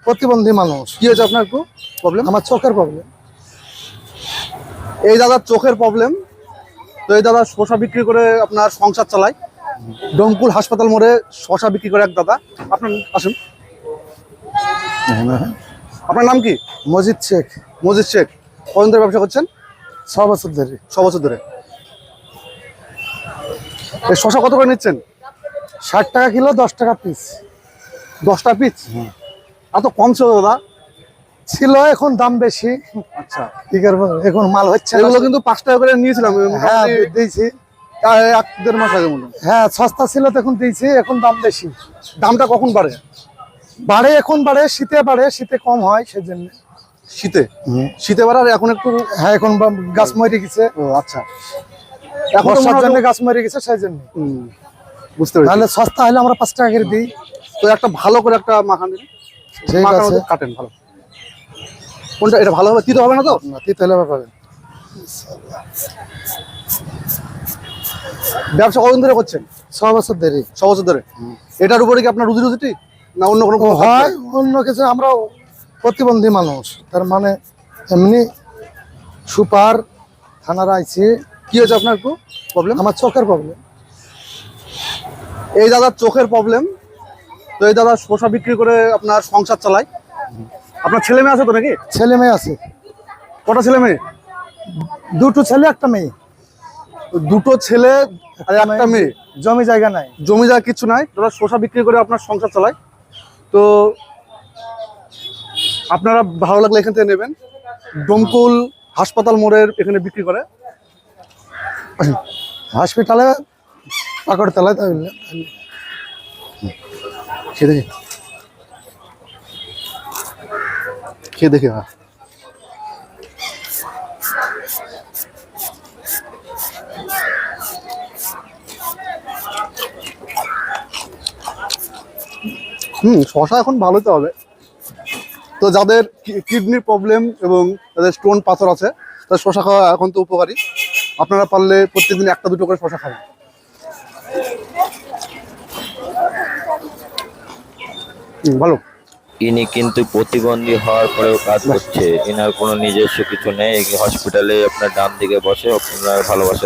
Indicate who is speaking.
Speaker 1: প্রতিবন্ধী মানুষ।
Speaker 2: কি হয়েছে আপনার একটু প্রবলেম?
Speaker 1: আমার চোখের প্রবলেম।
Speaker 2: এই দাদার চোখের প্রবলেম। তো এই দাদা শসা বিক্রি করে আপনার সংসার চালায়। ডোমকুল হাসপাতাল মোড়ে শসা বিক্রি করে এক দাদা। আপনার আসুন, আপনার নাম কি?
Speaker 1: মজিদ শেখ।
Speaker 2: মজিদ শেখ। কতদিন ধরে ব্যবসা করছেন?
Speaker 1: 6 বছর ধরে।
Speaker 2: 6 বছর ধরে। এই শসা কত করে নিচ্ছেন?
Speaker 1: 60 টাকা কিলো, 10 টাকা পিস।
Speaker 2: 10টা পিস? এত কম ছিল দাদা?
Speaker 1: ছিল, এখন দাম বেশি।
Speaker 2: আচ্ছা,
Speaker 1: কি করবো, এখন মাল হচ্ছে না।
Speaker 2: এগুলো কিন্তু 5 টাকা করে নিয়েছিলাম।
Speaker 1: হ্যাঁ দিয়েছি।
Speaker 2: 1-1.5 মাস আগে মনে হয়।
Speaker 1: হ্যাঁ সস্তা ছিল তখন দিয়েছি, এখন দাম বেশি।
Speaker 2: দামটা কখন বাড়ে?
Speaker 1: বাড়ে, এখন বাড়ে, শীতে বাড়ে, শীতে কম হয় সেজন্য।
Speaker 2: শীতে? শীতে বাড়ে আর এখন একটু।
Speaker 1: হ্যাঁ এখন গাছ মরে গেছে।
Speaker 2: ও আচ্ছা, এখন তো
Speaker 1: বর্ষার
Speaker 2: মনে
Speaker 1: জন্য
Speaker 2: হয়
Speaker 1: গাছ মরে গেছে সেই জন্য।
Speaker 2: বুঝতে পেরেছি।
Speaker 1: তাহলে সস্তা হলে আমরা 5 টাকা করে দিই।
Speaker 2: তো একটা ভালো করে একটা মাখান দিন।
Speaker 1: ঠিক
Speaker 2: মাখানো
Speaker 1: আছে।
Speaker 2: তো কাটেন ভালো। কোনটা এটা ভালো হবে? তিতো হবে না তো?
Speaker 1: না, তিতে হলে পাবেন।
Speaker 2: ব্যবসা কতদিন ধরে করছেন?
Speaker 1: 6 বছর ধরে।
Speaker 2: 6 বছর ধরে। এটার উপরে কি আপনার রুজি রুজিটি না অন্য কোনো
Speaker 1: হয় অন্য কিছু? আমরা প্রতিবন্ধী মানুষ, তার মানে এমনি সুপার থানার আইছি।
Speaker 2: কি হয়েছে আপনার একটু প্রবলেম?
Speaker 1: আমার চোখের প্রবলেম।
Speaker 2: এই দাদার চোখের প্রবলেম। তো এই দাদা শসা বিক্রি করে আপনার সংসার চালায়। আপনার ছেলে মেয়ে আছে তো নাকি?
Speaker 1: ছেলে মেয়ে আছে।
Speaker 2: কটা ছেলে মেয়ে?
Speaker 1: 2টো ছেলে, 1টা মেয়ে।
Speaker 2: দুটো ছেলে আর একটা মেয়ে।
Speaker 1: জমি জায়গা নাই।
Speaker 2: জমি জায়গা কিছু নাই, দাদা শসা বিক্রি করে আপনার সংসার চালায়। তো আপনারা ভালো লাগলে এখান থেকে নেবেন। ডোমকুল হাসপাতাল মোড়ের এখানে বিক্রি করে।
Speaker 1: হসপিটালে পাকড়তলায় তাহলে
Speaker 2: খেয়ে দেখি, খেয়ে দেখি। হ্যাঁ, শসা এখন ভালোতে হবে। তো যাদের কিডনির প্রবলেম এবং যাদের স্টোন পাথর আছে তাদের শসা খাওয়া এখন তো উপকারী। আপনারা পারলে প্রত্যেকদিন 1-2 করে শসা খাবেন। ভালো।
Speaker 3: ইনি কিন্তু প্রতিবন্ধী হওয়ার পরেও কাজ করছে। এনার কোনো নিজস্ব কিছু নেই। হসপিটালে আপনার ডান দিকে বসে আপনার ভালোবাসা